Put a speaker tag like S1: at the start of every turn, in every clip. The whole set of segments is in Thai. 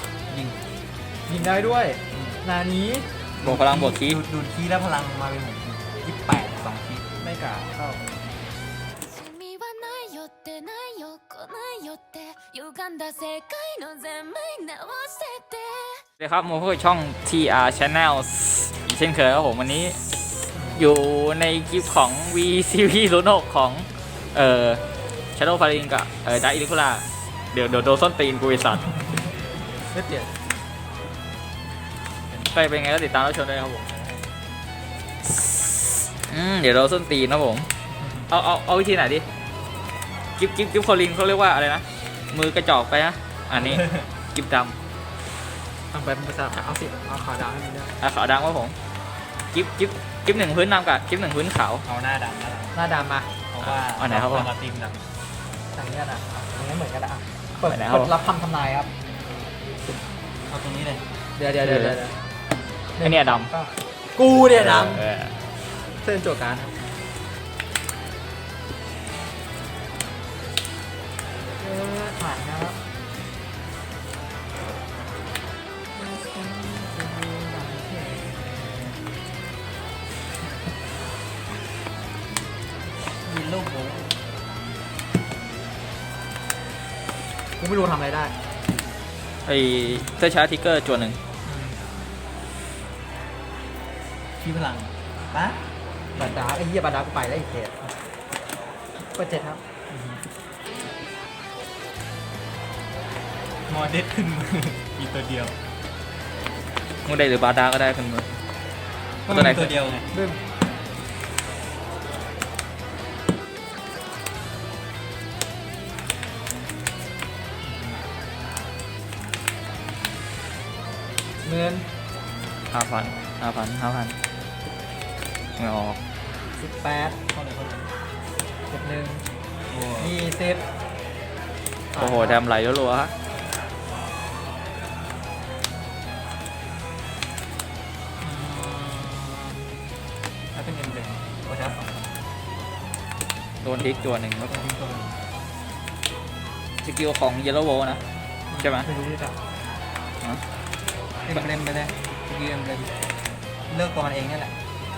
S1: ยิง
S2: ยิงได้ด้วยนานี้
S3: บวกพลังบวกคี
S1: ดูดคีแล้วพลังมาเป็นผม28 2คี
S2: ไม่กล้าเข้า
S4: 君はないよってないよ来ないよって歪んだ世界の全部直してて
S3: สวัสดีครับมาพบกับช่อง TR Channel อีกเช่นเคยครับผมวันนี้อยู่ในคลิปของ VCV 06ของShadow Paladin กับดาร์คอิลิคูล่าเดี๋ยวโดนส้นตีนกูไอสัตว์
S2: ไม่เปลี่ยน
S3: ไปเป็นไงก็ติดตามรับชมด้วยครับผมเดี๋ยวโดนส้นตีนนะผมเอาวิธีไหนดิกิฟคอลินเขาเรียกว่าอะไรนะมือกระจอกไปนะอันนี้กิฟดำ
S2: ทำไปเป็นภาษาเอาสิเอาขาวดำให้มันได้
S3: ขาวดำครับผมกิฟหนึ่งพื้นดำกับกิฟหนึ่งพื้นขาว
S1: เอาหน้าดำนะ
S2: หน้าดำมา
S1: เพราะว่า
S3: อันไหนครับผม
S1: มาตีมด
S2: ทางนี้นะอย่างนี้เหมือนกันนะเปิด
S3: ไหนครับ
S2: รับคำทำนายครับ
S1: ำเอาตรงนี้เลย
S2: เดี๋ยว
S3: ไอเนี่ยด
S2: กูเนี่ยด
S3: ำ
S2: ำเส้นโจทย์การผ่านครับ
S1: ยิงลูกโบ
S2: กูไม่รู้ทำอะไรได้
S3: ไอเสื้อชาร์ทิกเกอร์จวนหนึ่ง
S1: คีพลังปะ
S2: บัตรดาไอ้เหี้ยบัตรดากูไปแล้วอีกเทสเปิด7ครับ
S1: มอเด็ดขึ้นมืออีกตัวเดียว
S3: มึงได้หรือบาดาก็ได้ขึ้นมือ
S1: ก็
S3: ตัวไหน
S1: มีตัวเดียวไง
S2: บึ้มเงิน
S3: 5,000ไม่ออก
S2: 18
S1: เข้าเลยเข้าเลย
S2: 71
S1: โอ้
S2: 20
S3: โอ้โหแดมไหลรัวๆฮะ
S1: ถ้าเป็นเอ็มเบรนโอ้ชาร์จ2
S3: โดนทิกจวนหนึ่งครับ
S1: ตัวนี้ตัวนึง
S3: สกิลของเยลโลโวนะใช่ไหม
S2: ไม่รู้ที่จะ
S1: เอ็มเบรนไปเลยสกิลเอ็มเบรนเลือกตัวมันเองนี่แหละ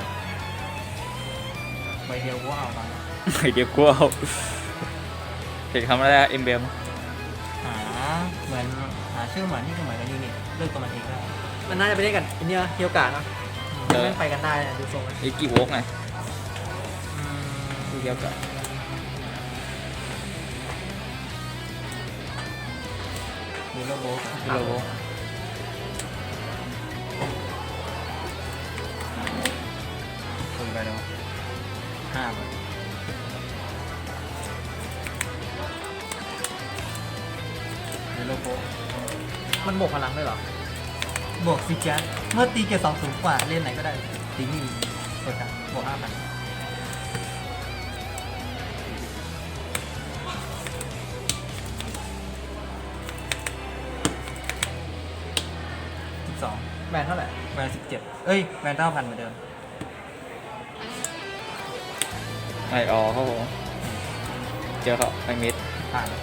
S1: ใบเดียวกูเอามา
S3: เดี๋ยวกูเอาเห็นคำแรกเอ็มเบม
S1: หาเหมือนหาชื่อเหมือนที่เหมือนกับยูนิตเลือกตัวมันเองได้
S2: มันน่าจะไปเล่นกันอันเนี้ยเฮียวกาเนอะแม่งไปกันได้นะดูทรงแล้ว
S3: อีกกี่วกไงดูเดียวกัน
S1: มีโลโก้
S3: เยลโลโว
S1: คุยไปแล้ว5 ใบมีโลโก้
S2: มันบวกพลังด้วยเหรอ
S1: บวกซิจัสเมื่อตีเกียร์2สูงกว่าเล่นไหนก็ได้ตีนี่กดกันบวก 5,000 12
S2: แบนเท่าไหร่
S1: แวน17เอ้ยแวน9,000เหมือนเดิม
S3: ไอออครับผมเจอเขาไอมิด
S1: ผ่าน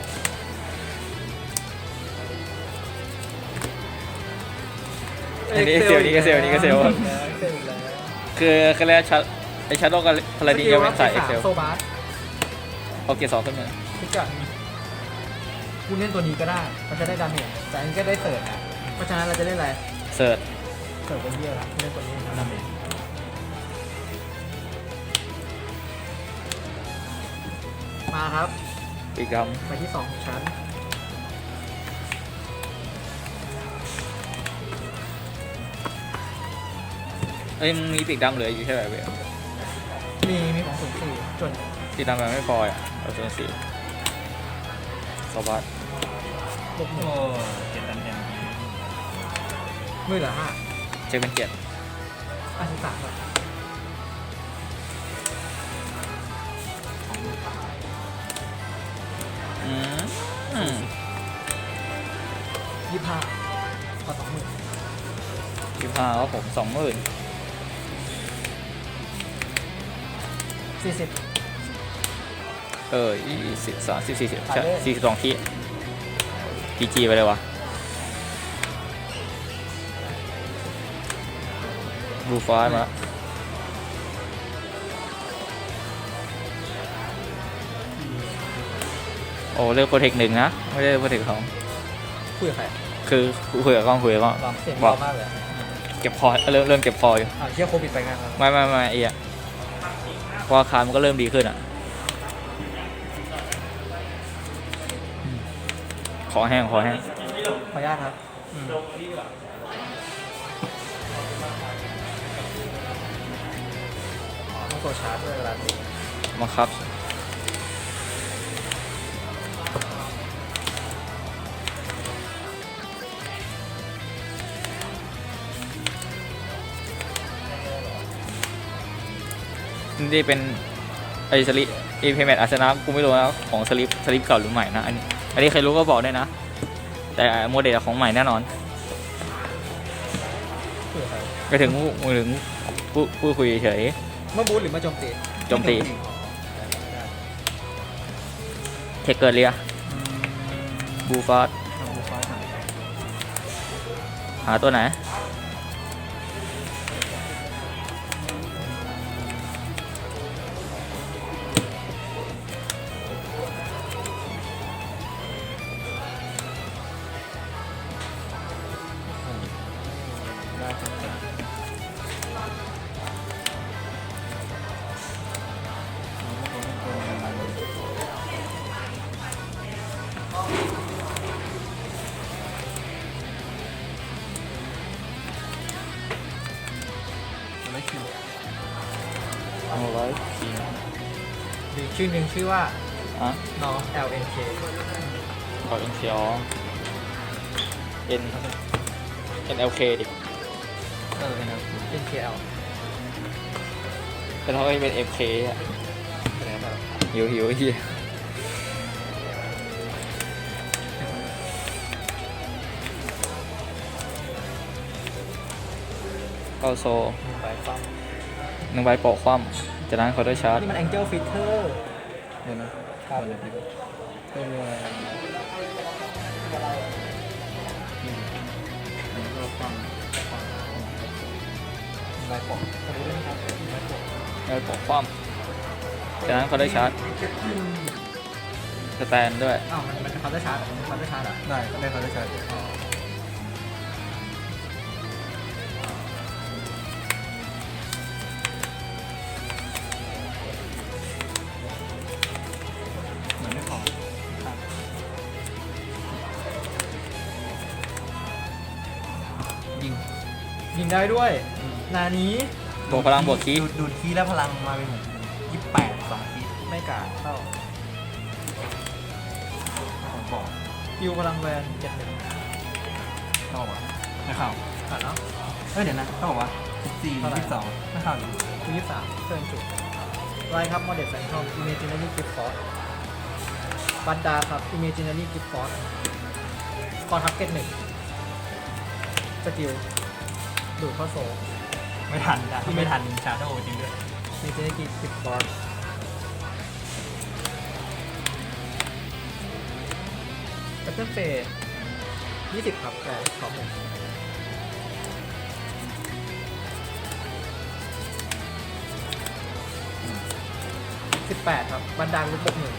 S3: อันนี้เซลนี่ก็เซลนี่ก็เซล
S2: เซลอีกแล้ว
S3: คือแล้วไอชาร์โดกับพาราดินยังเป็นสายเอ็กเซล
S2: โซบาส
S3: เอาเกียร์2ขึ้นมา
S2: พิกัดกูเล่นตัวนี้ก็ได้ มันจะได้ดาเมจแต่อันนี้ก็ได้เสิร์ฟนะเพราะฉะนั้นเราจะเล่นอะไร
S3: เสิร์ช
S2: เสิร์ฟเป็นเบี้ยละเล่นตัวนี้ดาเมจมาครับ
S3: อีกด
S2: ไปที่2ของชั้น
S3: ำเอ้ยมึงมีปีกดำเหลืออยู่ใช่ไหมเว้ย
S2: มีของ04ส่วน
S3: ปีกดำมันไม่พออ่ะเอาส่วน4สวัสด
S2: บวกหนึ่ง
S1: โอ้เจ็ดตันเต็ม
S2: มือเหลือ5
S3: เช็คเป็น7
S2: 53แบบ25ขอ20,000
S3: 25ครับผม20,000
S2: 40
S3: 20 30 40ใช่42ทีจีไปเลยวะบูฟ้ามาโอ้เลือกโปรเทคหนึ่งนะ ไม่ได้โปรเทคสอง
S2: คุยกับใคร
S3: คือคุยกับกล้องคุยกับกล้อง
S2: ลองเสียง
S3: บอ
S2: เบาก มากเลย
S3: เก็บคอเริ่มเก็บคออยู่
S2: เชี่ยโควิดไปงานแล้ว
S3: ไม่ไอ้อะเพราะอาคารมันก็เริ่มดีขึ้นอ่ะขอแห้ง
S2: ขออนุญาตครับต้องโซชาร์จด้วยเวลาดู
S3: มาครับ นี่เป็นไอสลิปไอเพย์แมทอาร์เซนอลกูไม่รู้นะของสลิปเก่าหรือใหม่นะอันนี้ใครรู้ก็บอกได้นะ แต่โมเดลของใหม่แน่นอน
S2: คุยกับใคร
S3: ไปถึงพูดคุยเฉย
S2: เมื่อบูธหรือมาโจมตี
S3: โจมตีเทคเกิร์เรียบูฟาสหาตัวไหนเอาไว้ที
S2: มีชื่อหนึ่งชื่อว่า
S3: อ่ะ
S2: น้อง LNK
S3: ขอเอ็นซีอNLK ดิ
S1: นะครับ
S2: NKL
S3: แต่เขาเป็น FK อ่ะ
S2: อะไรแบบ
S3: หิวเฮียเข้าโซ
S2: มีใบฟัง
S3: หนึ่งใบโปะคว่ำจากนั้นเขาได้ชาร์จ
S2: นี่มัน Angel Fitter
S1: เดี๋ยวนะครับเดี๋ยวนะเป็นอะไรนี่ก็ฟังลายปอก
S2: ขอดูด้วยนะครับใบปก
S3: ได้โปะคว่ำจากนั้นเขาได้ชาร์จสแตนด้วย
S2: อ้าวมันเขาได้ชาร์จเขาได้ชาร์จอ่ะ
S1: ได้ได้เขาได้ใช้เหมือนไม่พอยิง
S2: ยิงได้ด้วยนานี้
S3: บวกพลังบวกคีย์
S1: ดูดคีย์แล้วพลังมาเป็น28 2คีย์
S2: ไม่กาดเข้า
S1: ผมบอก
S2: ฮิวพลังแวน7-1
S1: เข้าอ่ะไม่เข้า
S2: ผ่านเนาะ
S1: เดี๋ยวนะเขาบอกว่า14 22ไม่เข้าอยู่
S2: คือ23เทิร์นจุดไรครับ Model Phantom Imaginary Gift Force บันดาครับ Imaginary Gift Force คอทับเกต1สกิลดูดเข้าโซ
S1: ไม่ทันนะไม่ทันชาโดว์จริงด้วย
S2: Imaginary Gift Force แพทเทิร์นเฟส20ครับแต่ขอหมด18ครับบันดาลลุกบกหนึ่ง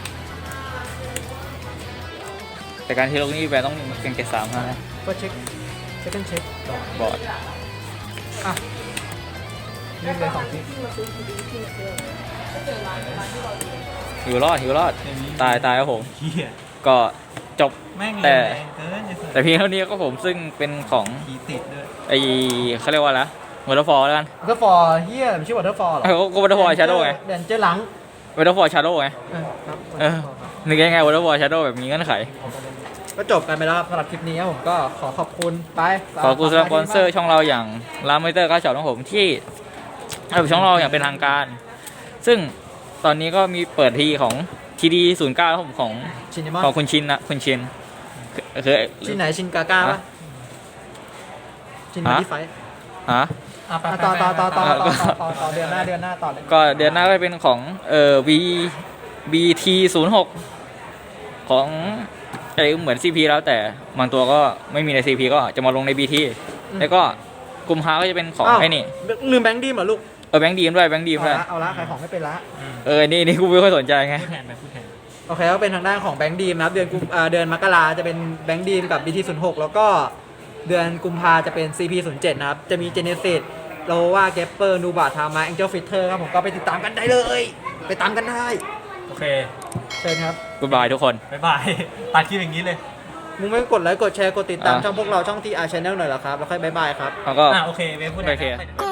S3: แต่การที่ลงนี่แปลต้องเป็นเกรด3นะ
S2: ก็เช็คเช็คต่อบ
S3: อร์ด
S2: อ่ะเล่นเลย2ที
S3: หิวรอดตายครับผม
S1: เฮีย
S3: ก็จบ
S1: แม่ง
S3: แต่
S1: แรงเกินจะ
S3: แต่เพียงเท่านี้ก็ผมซึ่งเป็นของ
S1: ขี่ติดด้วย
S3: ไอเขาเรียกว่าอะไรวอเตอร์ฟอลแล้วกัน
S2: วอเตอร์ฟอร์เฮียมันชื่อวอเตอร์ฟอร์เหรอ
S3: ก็วอเตอร์ฟอลชาโดว์ไง
S2: เดนเจอร์หลัง
S3: วอเตอร์ฟอลชาโดว์ไง
S2: ครับ
S3: เออ นึกยังไงวอเตอร์ฟอลชาโดว์แบบมีเงื่อนไข
S2: ก็จบกันไปแล้วครับสำหรับคลิปนี้ครับผมก็ขอขอบคุณไป
S3: ขอบคุณสำหรับสปอนเซอร์ช่องเราอย่างร้านมอนิเตอร์การ์ดช็อปของผมที่ให้ช่องเราอย่างเป็นทางการ ซึ่งตอนนี้ก็มีเปิดทีของ TD09 ครับผมของ
S2: ชินนิมอน
S3: ของคุณชินนะคุณชินคือ
S2: ชินไหนชินกาก้าปะ
S3: ฮะ
S2: ชินมาที่ไฟท์
S3: ฮะ
S2: ต่อเดือนหน้าต่อเลย
S3: ก็เดือนหน้าก็เป็นของBT06 ของอะไรเหมือน CP แล้วแต่บางตัวก็ไม่มีใน CP ก็จะมาลงใน BT แล้วก็กุมภาก็จะเป็นของ
S2: อ้าว
S3: ไอ้นี่
S2: ลืมแบงค์ดีมเหรอลูก
S3: แบงค์ดีมด้วยแบงค์ดีม
S2: เอา
S3: ด้วย
S2: ละเอาละขายของไม่เป็นละ
S3: นี่กูไม่ค่อยสนใจไง
S1: พูดแทนไปพูดแทน
S2: โอเคก็เป็นทางด้านของแบงค์ดีมนะครับเดือนมกราจะเป็นแบงค์ดีมกับ BT06 แล้วก็เดือนกุมภาจะเป็น CP07 นะครับจะมี Genesis โลว่าเกปเปอร์นูบาทามา Angel Fitter ครับผมก็ไปติดตามกันได้เลย ไปตามกันได้
S1: โอเค
S2: เชิญครับ
S3: กูบายทุกคน
S1: บ๊ายบาย ตัดคลิปอย่างนี้เลย
S2: มึงไม่กดไลค์กดแชร์กดติดตาม
S3: อ่ะ
S2: ช่องพวกเราช่อง TR Channel หน่อยเหรอครับ แล้วค่อยบายบายครับ
S3: แล้วก็
S1: โอเคเวฟพูดแทน
S3: โอเค
S1: ไป
S4: こ